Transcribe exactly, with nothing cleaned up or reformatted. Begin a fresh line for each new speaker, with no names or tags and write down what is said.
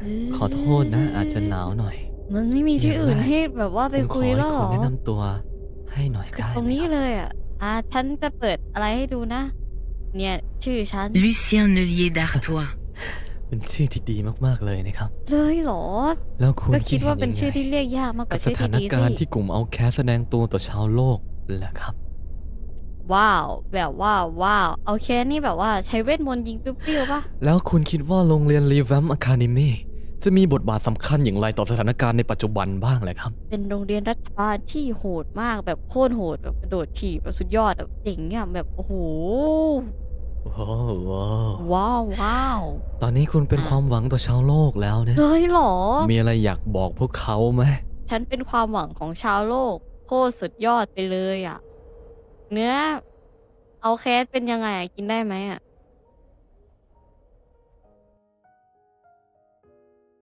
ขอโทษนะอาจจะหนาวหน่อย
มันไม่มีที่อื่นให้แบบว่าไปคุยแล้วหรอ
คุณแนะนำตัวให้หน่อยได้ไหม
ตรงนี้เลยอ่ะอ่าฉันจะเปิดอะไรให้ดูนะ เนี่ยชื่อฉัน
Lucien Neulier d'Artois
เป็นชื่อที่ดีมากๆเลยนะครับ
เลยเหรอ
แล้วคุณ
ก็คิดว่าเป็น
ห็
ชื่อที่
ยังไง
เรียกยากมากก
กับ
ว่า
ส
ชื่อ
ถา
ที่
น
ดี
การณ์
สิ
ที่กลุ่มเอาแคสแสดงตัวต่อชาวโลกแหละครับ
ว้าวแบบว่าว้าวเอาแค่นี่แบบว่าใช้เวทมนต์ยิงปิ้วๆป่ะ
แล้วคุณคิดว่าโรงเรียนรีแวมอะคาเดมี่จะมีบทบาทสำคัญอย่างไรต่อสถานการณ์ในปัจจุบันบ้างเลยครับ
เป็นโรงเรียนรัฐบาลที่โหดมากแบบโคตรโหดแบบกระโดดถีบแบบสุดยอดแบบเจ๋งอ่ะแบบโอ้โห
โอ้โห
ว้าวว้าว
ตอนนี้คุณเป็นความหวังต่อชาวโลกแล้วนะ
เลยเหรอ
มีอะไรอยากบอกพวกเขาไหม
ฉันเป็นความหวังของชาวโลกโคตรสุดยอดไปเลยอ่ะ เนื้อเอาแคสเป็นยังไงอะกินได้ไหมอ่ะ